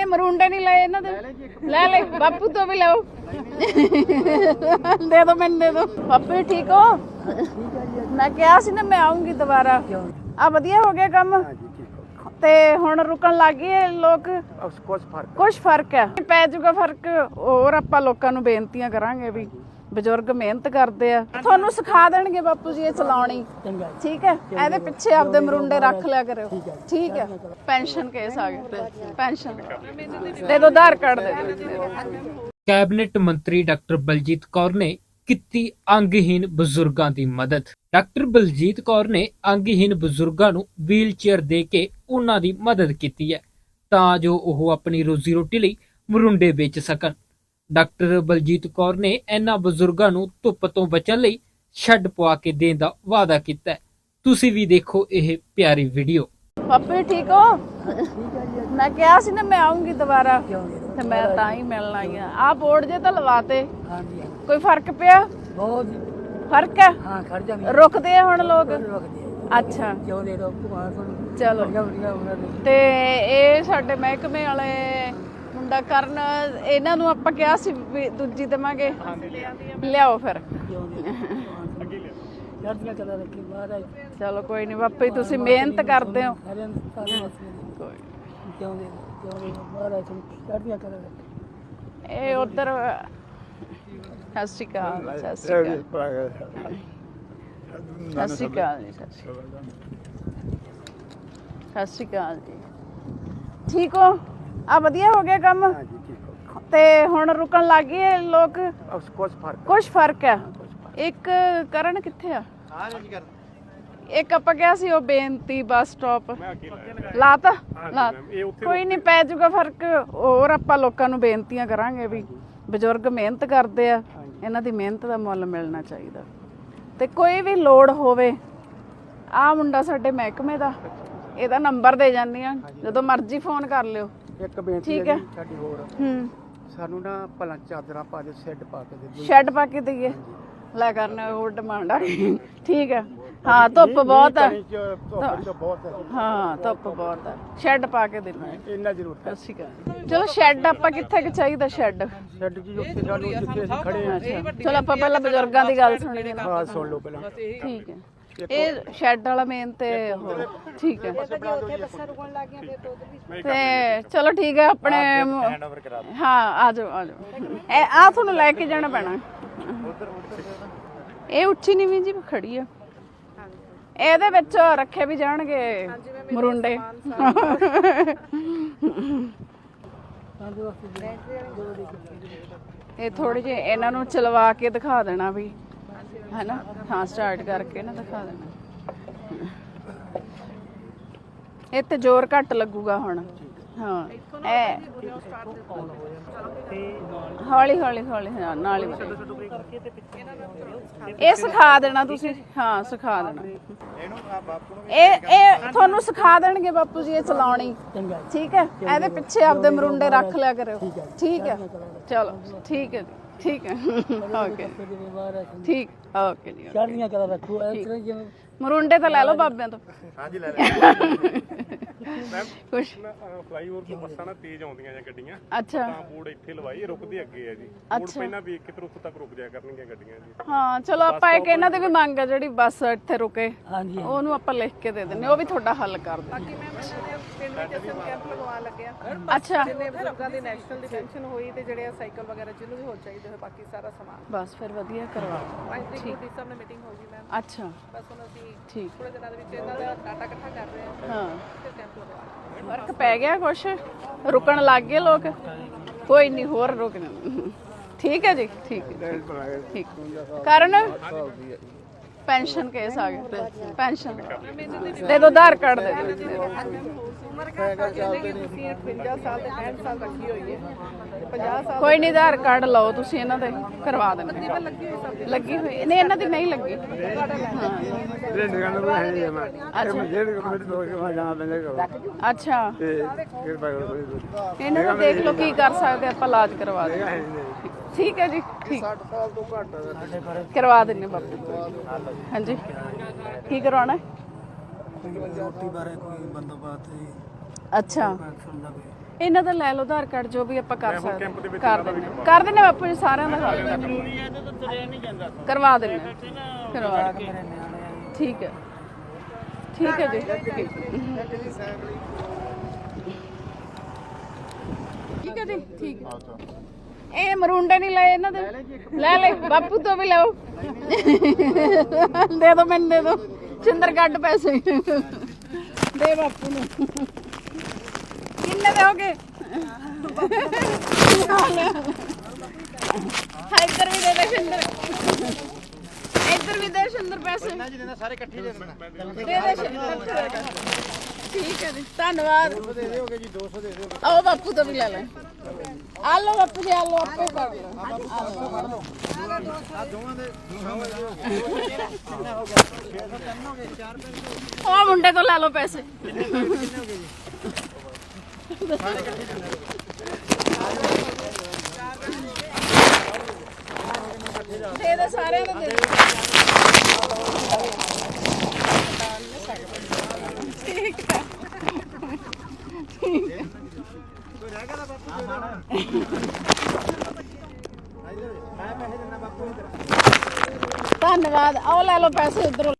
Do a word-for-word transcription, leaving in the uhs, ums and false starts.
नहीं मरूंडे नहीं लाए इन्होंने ले ले बापू तो भी लाओ दे दो मैंने दे दो बापू ठीक हो मैं क्या सी ना मैं आऊंगी दोबारा आ वधिया हो गया काम ते हुण रुकण लग गए लोग कुछ फर्क कुछ फर्क है पै जूगा फर्क और आपां लोकां नूं बेनतियां करांगे भी बजुर्ग मेहनत करते हैं ਤੁਹਾਨੂੰ ਸਿਖਾ ਦੇਣਗੇ ਬਾਪੂ ਜੀ ਇਹ ਚਲਾਉਣੀ ਠੀਕ ਹੈ ਇਹਦੇ ਪਿੱਛੇ ਆਪਦੇ ਮਰੁੰਡੇ ਰੱਖ ਲਿਆ ਕਰਿਓ ਠੀਕ ਹੈ ਪੈਨਸ਼ਨ ਕੇਸ ਆ ਗਿਆ ਪੈਨਸ਼ਨ ਦੇ ਦੋ ਆਧਾਰ ਕਾਰਡ ਦੇ ਦਿਓ ਕੈਬਨਿਟ ਮੰਤਰੀ ਡਾਕਟਰ ਬਲਜੀਤ ਕੌਰ ਨੇ ਕੀਤੀ ਅੰਗਹੀਨ ਬਜ਼ੁਰਗਾਂ ਦੀ ਮਦਦ ਡਾਕਟਰ ਬਲਜੀਤ ਕੌਰ ਨੇ ਅੰਗਹੀਨ ਬਜ਼ੁਰਗਾਂ ਨੂੰ ਵੀਲ ਚੇਅਰ ਦੇ ਕੇ ਉਹਨਾਂ ਦੀ ਮਦਦ ਕੀਤੀ ਹੈ ਤਾਂ ਜੋ ਉਹ ਆਪਣੀ ਰੋਜ਼ੀ ਰੋਟੀ ਲਈ ਮਰੁੰਡੇ ਵੇਚ ਸਕਣ ਡਾਕਟਰ ਬਲਜੀਤ ਕੌਰ ਨੇ ਇਹਨਾਂ ਬਜ਼ੁਰਗਾਂ ਨੂੰ ਧੁੱਪ ਤੋਂ ਬਚਣ ਲਈ ਸ਼ੈੱਡ ਪਵਾ ਕੇ ਦੇਣ ਦਾ ਵਾਅਦਾ ਕੀਤਾ ਹੈ ਤੁਸੀਂ ਵੀ ਦੇਖੋ ਇਹ ਪਿਆਰੀ ਵੀਡੀਓ ਪਾਪੇ ਠੀਕ ਹੋ ਮੈਂ ਕਿਹਾ ਸੀ ਨਾ ਮੈਂ ਆਉਂਗੀ ਦੁਬਾਰਾ ਤੇ ਮੈਂ ਤਾਂ ਹੀ ਮਿਲਣ ਆਈ ਆ ਆਹ ਬੋਰਡ ਜੇ ਤਾਂ ਲਵਾਤੇ ਕੋਈ ਫਰਕ ਪਿਆ ਬਹੁਤ ਫਰਕ ਹੈ ਹਾਂ ਖੜ ਜਾ ਰੁਕਦੇ ਆ ਹੁਣ ਲੋਕ ਰੁਕਦੇ ਅੱਛਾ ਕਿਉਂ ਦੇ ਦੋ ਚਲੋ ਤੇ ਇਹ ਸਾਡੇ ਮਹਿਕਮੇ ਵਾਲੇ ਮੁੰਡਾ ਕਰਨ ਇਹਨਾਂ ਨੂੰ ਆਪਾਂ ਕਿਹਾ ਸੀ ਵੀ ਦੂਜੀ ਦੇਵਾਂਗੇ ਲਿਆਓ ਫਿਰ ਚਲੋ ਕੋਈ ਨਹੀਂ ਬਾਪੇ ਤੁਸੀਂ ਮਿਹਨਤ ਕਰਦੇ ਹੋ ਇਹ ਉਧਰ ਸਤਿ ਸ਼੍ਰੀ ਅਕਾਲ ਸਤਿ ਸ਼੍ਰੀ ਅਕਾਲ ਸਤਿ ਸ਼੍ਰੀ ਅਕਾਲ ਜੀ ਸਤਿ ਸ਼੍ਰੀ ਅਕਾਲ ਜੀ ਠੀਕ ਹੋ ਆ ਵਧੀਆ ਹੋ ਗਿਆ ਕੰਮ ਤੇ ਹੁਣ ਰੁਕਣ ਲੱਗ ਗਏ ਲੋਕ ਕੁਝ ਫਰਕ ਕੁਝ ਫਰਕ ਹੈ ਇੱਕ ਕਰਨ ਕਿੱਥੇ ਆ ਇੱਕ ਆਪਾਂ ਕਿਹਾ ਸੀ ਉਹ ਬੇਨਤੀ ਬੱਸ ਸਟਾਪ ਲਾਤਾ ਲਾ ਕੋਈ ਨਹੀਂ ਪੈ ਜੂਗਾ ਫਰਕ ਹੋਰ ਆਪਾਂ ਲੋਕਾਂ ਨੂੰ ਬੇਨਤੀਆਂ ਕਰਾਂਗੇ ਵੀ ਬਜ਼ੁਰਗ ਮਿਹਨਤ ਕਰਦੇ ਆ ਇਹਨਾਂ ਦੀ ਮਿਹਨਤ ਦਾ ਮੁੱਲ ਮਿਲਣਾ ਚਾਹੀਦਾ ਤੇ ਕੋਈ ਵੀ ਲੋੜ ਹੋਵੇ ਆ ਮੁੰਡਾ ਸਾਡੇ ਮਹਿਕਮੇ ਦਾ ਇਹਦਾ ਨੰਬਰ ਦੇ ਜਾਂਦੀ ਆ ਜਦੋਂ ਮਰਜ਼ੀ ਫੋਨ ਕਰ ਲਿਓ ਇੱਕ ਬੇਨਤੀ ਹੈ ਸਾਡੀ ਹੋਰ ਹੂੰ ਸਾਨੂੰ ਨਾ ਭਲਾ ਚਾਦਰਾਂ ਪਾ ਦੇ ਸ਼ੈੱਡ ਪਾ ਕੇ ਦੇ ਸ਼ੈੱਡ ਪਾ ਕੇ ਦਈਏ ਲੈ ਕਰਨਾ ਹੋਰ ਡਿਮਾਂਡ ਆ ਠੀਕ ਹੈ ਹਾਂ ਧੁੱਪ ਬਹੁਤ ਹੈ ਹਾਂ ਧੁੱਪ ਬਹੁਤ ਹੈ ਸ਼ੈੱਡ ਪਾ ਕੇ ਦੇਣਾ ਇੰਨਾ ਜ਼ਰੂਰ ਅੱਛੀ ਗੱਲ ਚਲੋ ਸ਼ੈੱਡ ਆਪਾਂ ਕਿੱਥੇ ਕਿ ਚਾਹੀਦਾ ਸ਼ੈੱਡ ਸ਼ੈੱਡ ਜੀ ਉੱਥੇ ਸਾਨੂੰ ਜਿੱਥੇ ਅਸੀਂ ਖੜੇ ਹਾਂ ਚਲੋ ਆਪਾਂ ਪਹਿਲਾਂ ਬਜ਼ੁਰਗਾਂ ਦੀ ਗੱਲ ਸੁਣੀਏ ਨਾ ਹਾਂ ਸੁਣ ਲਓ ਪਹਿਲਾਂ ਠੀਕ ਹੈ ਇਹ ਸ਼ੈੱਡ ਵਾਲਾ ਮੇਨ ਤੇ ਠੀਕ ਹੈ ਤੇ ਚਲੋ ਠੀਕ ਹੈ ਆਪਣੇ ਹਾਂ ਆ ਜਾਓ ਆ ਜਾਓ ਇਹ ਆ ਤੁਹਾਨੂੰ ਲੈ ਕੇ ਜਾਣਾ ਪੈਣਾ ਇਹ ਉੱਚੀ ਨੀਵੀਂ ਜੀ ਖੜੀ ਆ ਇਹਦੇ ਵਿੱਚ ਰੱਖੇ ਵੀ ਜਾਣਗੇ ਮਰੁੰਡੇ ਇਹ ਥੋੜੇ ਜਿਹੇ ਇਹਨਾਂ ਨੂੰ ਚਲਵਾ ਕੇ ਦਿਖਾ ਦੇਣਾ ਵੀ ਹੈ ਨਾ ਹਾਂ ਸਟਾਰਟ ਕਰਕੇ ਨਾ ਦਿਖਾ ਦੇਣਾ ਇਹ ਤੇ ਜ਼ੋਰ ਘੱਟ ਲੱਗੂਗਾ ਹੁਣ ਹਾਂ ਇਹ ਹੌਲੀ ਹੌਲੀ ਹੌਲੀ ਨਾਲ ਹੀ ਇਹ ਸਿਖਾ ਦੇਣਾ ਤੁਸੀਂ ਹਾਂ ਸਿਖਾ ਦੇਣਾ ਇਹ ਇਹ ਤੁਹਾਨੂੰ ਸਿਖਾ ਦੇਣਗੇ ਬਾਪੂ ਜੀ ਇਹ ਚਲਾਉਣੀ ਠੀਕ ਹੈ ਇਹਦੇ ਪਿੱਛੇ ਆਪਦੇ ਮਰੁੰਡੇ ਰੱਖ ਲਿਆ ਕਰਿਓ ਠੀਕ ਹੈ ਚਲੋ ਠੀਕ ਹੈ ਠੀਕ ਹੈ ਓਕੇ ਠੀਕ ਓਕੇ ਜੀ ਚੜ੍ਹਦੀਆਂ ਕਰਾ ਰੱਖੋ ਇਸ ਤਰ੍ਹਾਂ ਜਿਵੇਂ ਮਰੁੰਡੇ ਤਾਂ ਲੈ ਲਓ ਬਾਬਿਆਂ ਤੋਂ ਹਾਂਜੀ ਲੈ ਲੈ ਮੈਮ ਕੁਛ ਫਲਾਈਓਵਰ ਤੋਂ ਬੱਸਾਂ ਨਾ ਤੇਜ਼ ਆਉਂਦੀਆਂ ਜਾਂ ਗੱਡੀਆਂ ਅੱਛਾ ਤਾਂ ਬੋਰਡ ਇੱਥੇ ਲਵਾਈ ਰੁਕਦੇ ਅੱਗੇ ਆ ਜੀ ਬੋਰਡ ਪਹਿਲਾਂ ਵੇਖ ਕੇ ਫਿਰ ਉੱਥੇ ਤੱਕ ਰੁਕ ਜਾਇਆ ਕਰਨਗੀਆਂ ਗੱਡੀਆਂ ਜੀ ਹਾਂ ਚਲੋ ਆਪਾਂ ਇੱਕ ਇਹਨਾਂ ਦੀ ਵੀ ਮੰਗ ਆ ਜਿਹੜੀ ਬੱਸ ਇੱਥੇ ਰੁਕੇ ਹਾਂਜੀ ਉਹਨੂੰ ਆਪਾਂ ਲਿਖ ਕੇ ਦੇ ਦਿੰਨੇ ਉਹ ਵੀ ਤੁਹਾਡਾ ਹੱਲ ਕਰ ਦੇ ਬਾਕੀ ਮੈਂ ਪਿੰਡ ਵਿੱਚ ਅਸਲ ਕੈਂਪ ਲਗਵਾ ਲੱਗਿਆ ਅੱਛਾ ਜਿੰਨੇ ਬਜ਼ੁਰਗਾਂ ਦੀ ਨੈਸ਼ਨਲ ਡਿਫੈਂਸ਼ਨ ਹੋਈ ਤੇ ਜਿਹੜੇ ਸਾਈਕਲ ਵਗੈਰਾ ਜਿਹਨੂੰ ਵੀ ਹੋ ਚਾਹੀਦੇ ਹੋਏ ਬਾਕੀ ਸਾਰਾ ਸਮਾਨ ਬਸ ਫਿਰ ਵਧੀਆ ਕਰਵਾ ਪੰਜ ਤਰੀਕ ਨੂੰ ਡੀ ਸਾਹਿਬ ਨਾਲ ਮੀਟਿੰਗ ਹੋਊਗੀ ਮੈਮ ਅੱਛਾ ਬਸ ਹੁਣ ਅਸੀਂ ਠੀਕ ਥੋੜੇ ਦਿਨਾਂ ਦੇ ਵਿੱਚ ਇਹਨਾਂ ਦਾ ਡਾਟਾ ਇਕੱਠਾ ਕਰ ਰਹੇ ਹਾਂ ਹਾਂ ਫਿਰ ਕੈਂਪ ਲਗਵਾ ਫਰਕ ਪੈ ਗਿਆ ਕੁਛ ਰੁਕਣ ਲੱਗ ਗਏ ਲੋਕ ਕੋਈ ਨਹੀਂ ਹੋਰ ਰੁਕਣਾ ਠੀਕ ਹੈ ਜੀ ਠੀਕ ਹੈ ਠੀਕ ਕਾਰਨ ਪੈਨਸ਼ਨ ਕੇਸ ਆ ਗਿਆ ਪੈਨਸ਼ਨ ਦੇ ਦੋ ਆਧਾਰ ਕਾਰਡ ਦੇ ਦਿਓ ਉਮਰ ਕਹਿੰਦੇ ਕਿ ਤੁਸੀਂ ਅਠਵੰਜਾ ਸਾਲ ਤੇ ਪੈਂਹਠ ਸਾਲ ਰੱਖੀ ਹੋਈ ਹੈ ਤੇ ਪੰਜਾਹ ਸਾਲ ਕੋਈ ਨਹੀਂ ਆਧਾਰ ਕਾਰਡ ਲਓ ਤੁਸੀਂ ਇਹਨਾਂ ਦੇ ਕਰਵਾ ਦਿੰਦੇ ਪਰ ਲੱਗੀ ਹੋਈ ਸਭ ਲੱਗੀ ਹੋਈ ਨਹੀਂ ਇਹਨਾਂ ਦੀ ਨਹੀਂ ਲੱਗੀ ਇਹ ਨਿਗਾਹ ਨੂੰ ਹੈ ਨਹੀਂ ਮੈਂ ਅੱਛਾ ਜਿਹੜੇ ਕਮੇਟੀ ਤੋਂ ਕਿ ਮੈਂ ਜਾਣਾ ਪੈਂਦਾ ਕਰੋ ਅੱਛਾ ਤੇ ਕਿਰਪਾ ਕਰੋ ਇਹਨਾਂ ਨੂੰ ਦੇਖ ਲਓ ਕੀ ਕਰ ਸਕਦੇ ਆਪਾਂ ਇਲਾਜ ਕਰਵਾ ਦੇ ਠੀਕ ਹੈ ਜੀ ਠੀਕ ਸੱਠ ਸਾਲ ਤੋਂ ਘੱਟ ਕਰਵਾ ਦਿੰਨੇ ਬਾਪੂ ਹਾਂਜੀ ਕੀ ਕਰਵਾਉਣਾ ਹੈ ਰੋਟੀ ਬਾਰੇ ਕੋਈ ਬੰਦੋਬਸਤ ਅੱਛਾ ਇਹਨਾਂ ਦਾ ਲੈ ਲਓ ਆਧਾਰ ਕਾਰਡ ਜੋ ਵੀ ਆਪਾਂ ਕਰ ਸਕਦੇ ਕੈਂਪ ਦੇ ਵਿੱਚ ਕਰ ਦਿੰਦੇ ਕਰ ਦਿੰਦੇ ਬਾਪੂ ਜੀ ਸਾਰਿਆਂ ਦਾ ਕਰ ਦਿੰਦੇ ਜ਼ਰੂਰੀ ਹੈ ਤੇ ਤੁਰਿਆ ਨਹੀਂ ਜਾਂਦਾ ਕਰਵਾ ਦਿੰਦੇ ਕਰਵਾ ਦਿੰਦੇ। ਠੀਕ ਹੈ ਠੀਕ ਹੈ ਜੀ ਠੀਕ ਹੈ ਜੀ ਠੀਕ ਹੈ। ਇਹ ਮਰੂੰਡੇ ਨਹੀਂ ਲਏ ਇਹਨਾਂ ਦੇ ਲੈ ਲੈ ਬਾਪੂ ਤੋਂ ਵੀ ਲਓ ਦੇ ਦੋ ਮੈਨੂੰ ਦੇ ਦੋ ਚਿੰਦਰ ਕੱਢ ਪੈਸੇ ਦੇ ਬਾਪੂ ਨੂੰ ਕਿੰਨੇ ਦੇ ਹੋਗੇ ਹਾਂ ਇੱਧਰ ਵੀ ਦੇ ਦੇ ਸ਼ਿੰਦਰ ਇੱਧਰ ਵੀ ਦੇ ਸ਼ਿੰਦਰ ਪੈਸੇ ਸਾਰੇ ਇਕੱਠੇ ਦੇ ਦੇਣਾ ਦੇ ਦੇ ਸ਼ਿੰਦਰ ਠੀਕ ਹੈ ਜੀ ਧੰਨਵਾਦ ਦੇ ਦਿਓਗੇ ਜੀ ਦੋ ਸੌ ਦੇ ਦਿਓ ਆਓ ਬਾਪੂ ਤੋਂ ਵੀ ਲੈ ਲੈ ਆ ਲਓ ਬਾਪੂ ਜੀ ਆ ਲਓ ਆਪੇ ਕਰ ਲਓ ਆ ਦੋਵਾਂ ਦੇ ਕਿੰਨਾ ਹੋ ਗਿਆ ਛੇ ਸੌ ਤਿੰਨ ਹੋ ਗਏ ਚਾਰ ਪੈਸੇ ਉਹ ਮੁੰਡੇ ਤੋਂ ਲੈ ਲਓ ਪੈਸੇ ਕਿੰਨੇ ਹੋ ਗਏ ਜੀ ਸਾਰੇ ਇਕੱਠੇ ਦੇ ਦੇ ਸਾਰਿਆਂ ਨੂੰ ਦੇ ਦੇ ਠੀਕ ਹੈ ਕੋਈ ਰਹਿ ਗਿਆ ਤਾਂ ਬਾਪੂ ਦੇ ਦੇਣਾ ਮੈਂ ਪੈਸੇ ਦਿੰਦਾ ਬਾਪੂ ਨੂੰ ਧੰਨਵਾਦ ਆਓ ਲੈ ਲਓ ਪੈਸੇ ਉਧਰੋਂ